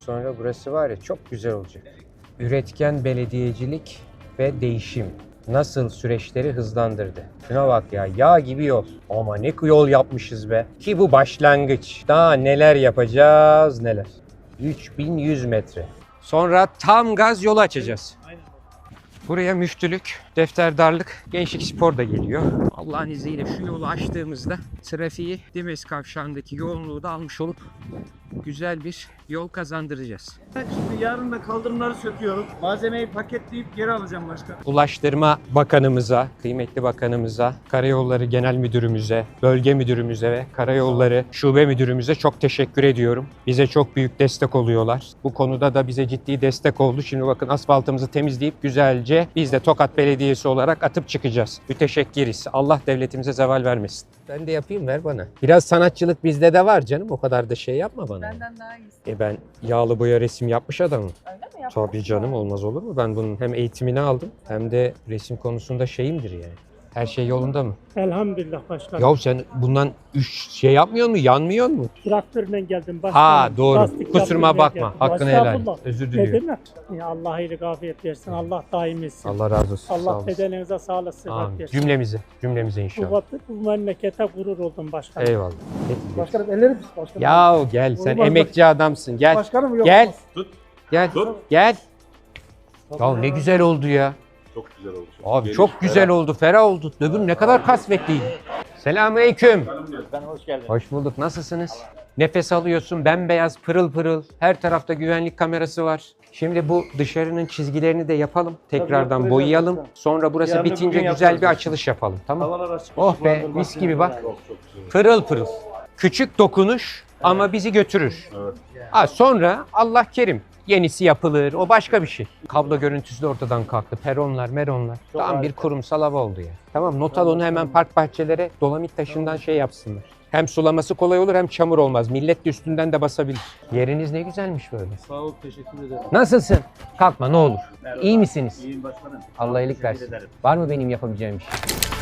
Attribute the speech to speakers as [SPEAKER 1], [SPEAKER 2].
[SPEAKER 1] sonra burası var ya çok güzel olacak. Üretken belediyecilik ve değişim nasıl süreçleri hızlandırdı. Şuna bak ya, yağ gibi yol. Ama ne yol yapmışız be. Ki bu başlangıç. Daha neler yapacağız neler. 3100 metre. Sonra tam gaz yolu açacağız. Buraya müştülük, defterdarlık, gençlik spor da geliyor. Allah'ın izniyle şu yolu açtığımızda trafiği Dimes kavşağındaki yoğunluğu da almış olup güzel bir yol kazandıracağız.
[SPEAKER 2] Şimdi yarın da kaldırımları söküyorum. Malzemeyi paketleyip geri alacağım başkanım.
[SPEAKER 1] Ulaştırma Bakanımıza, kıymetli bakanımıza, Karayolları Genel Müdürümüze, Bölge Müdürümüze ve Karayolları Şube Müdürümüze çok teşekkür ediyorum. Bize çok büyük destek oluyorlar. Bu konuda da bize ciddi destek oldu. Şimdi bakın asfaltımızı temizleyip güzelce biz de Tokat Belediyesi olarak atıp çıkacağız. Müteşekkiriz. Allah devletimize zeval vermesin. Ben de yapayım, ver bana. Biraz sanatçılık bizde de var canım. O kadar da şey yapma bana.
[SPEAKER 3] Benden daha iyisi.
[SPEAKER 1] Ben yağlı boya resim yapmış adamım.
[SPEAKER 3] Öyle mi yaptın?
[SPEAKER 1] Tabii canım, olmaz olur mu? Ben bunun hem eğitimini aldım hem de resim konusunda şeyimdir yani. Her şey yolunda mı?
[SPEAKER 4] Elhamdülillah başkanım.
[SPEAKER 1] Yahu sen bundan şey yapmıyor mu? Yanmıyor mu?
[SPEAKER 4] Traktörle geldim başkanım.
[SPEAKER 1] Ha doğru.
[SPEAKER 4] Lastik
[SPEAKER 1] Kusuruma
[SPEAKER 4] yaptırmaya
[SPEAKER 1] bakma.
[SPEAKER 4] geldim.
[SPEAKER 1] Hakkını helal et.
[SPEAKER 4] Estağfurullah.
[SPEAKER 1] Özür
[SPEAKER 4] Ne
[SPEAKER 1] diliyorum.
[SPEAKER 4] demek? Ya Allah iyilik afiyet versin. Allah daim etsin.
[SPEAKER 1] Allah razı olsun. Sağ
[SPEAKER 4] Allah
[SPEAKER 1] olasın.
[SPEAKER 4] bedeninize sağlık sıhhat
[SPEAKER 1] Amin.
[SPEAKER 4] versin.
[SPEAKER 1] Cümlemize inşallah.
[SPEAKER 4] Bu memlekete gurur oldum başkanım.
[SPEAKER 1] Eyvallah.
[SPEAKER 2] Başkanım ellerim pis başkanım.
[SPEAKER 1] Ya gel, sen
[SPEAKER 2] Olmaz
[SPEAKER 1] emekçi adamsın. Gel.
[SPEAKER 2] Başkanım yok.
[SPEAKER 1] Gel.
[SPEAKER 2] olmaz.
[SPEAKER 1] Gel. Gel. Ya ne güzel oldu ya.
[SPEAKER 5] Çok güzel oldu.
[SPEAKER 1] Abi çok güzel oldu, ferah oldu. Öbür ne kadar kasvetliydi. Selamünaleyküm.
[SPEAKER 2] Hoş geldin.
[SPEAKER 1] Hoş bulduk. Nasılsınız? Nefes alıyorsun, bembeyaz, pırıl pırıl. Her tarafta güvenlik kamerası var. Şimdi bu dışarının çizgilerini de yapalım. Tekrardan
[SPEAKER 2] yaptıracağız
[SPEAKER 1] boyayalım.
[SPEAKER 2] zaten.
[SPEAKER 1] Sonra burası
[SPEAKER 2] Yarın
[SPEAKER 1] bitince
[SPEAKER 2] bugün
[SPEAKER 1] güzel bir
[SPEAKER 2] yaparız.
[SPEAKER 1] açılış yapalım. Tamam.
[SPEAKER 2] Havalar açık.
[SPEAKER 1] Oh be, mis gibi bak. Pırıl pırıl. Küçük dokunuş ama bizi götürür.
[SPEAKER 5] Evet.
[SPEAKER 1] Ha, sonra Allah kerim. Yenisi yapılır. O başka bir şey. Kablo görüntüsü de ortadan kalktı. Peronlar, meronlar. Tam bir kurumsal hava oldu ya. Tamam, not al onu, hemen park bahçelere dolamit taşından şey yapsınlar. Hem sulaması kolay olur hem çamur olmaz. Millet de üstünden de basabilir. Yeriniz ne güzelmiş böyle.
[SPEAKER 2] Sağ ol, teşekkür ederim.
[SPEAKER 1] Nasılsın? Kalkma ne olur. İyi misiniz?
[SPEAKER 2] İyiyim başkanım.
[SPEAKER 1] Allah iyilik versin. Var mı benim yapabileceğim bir şey?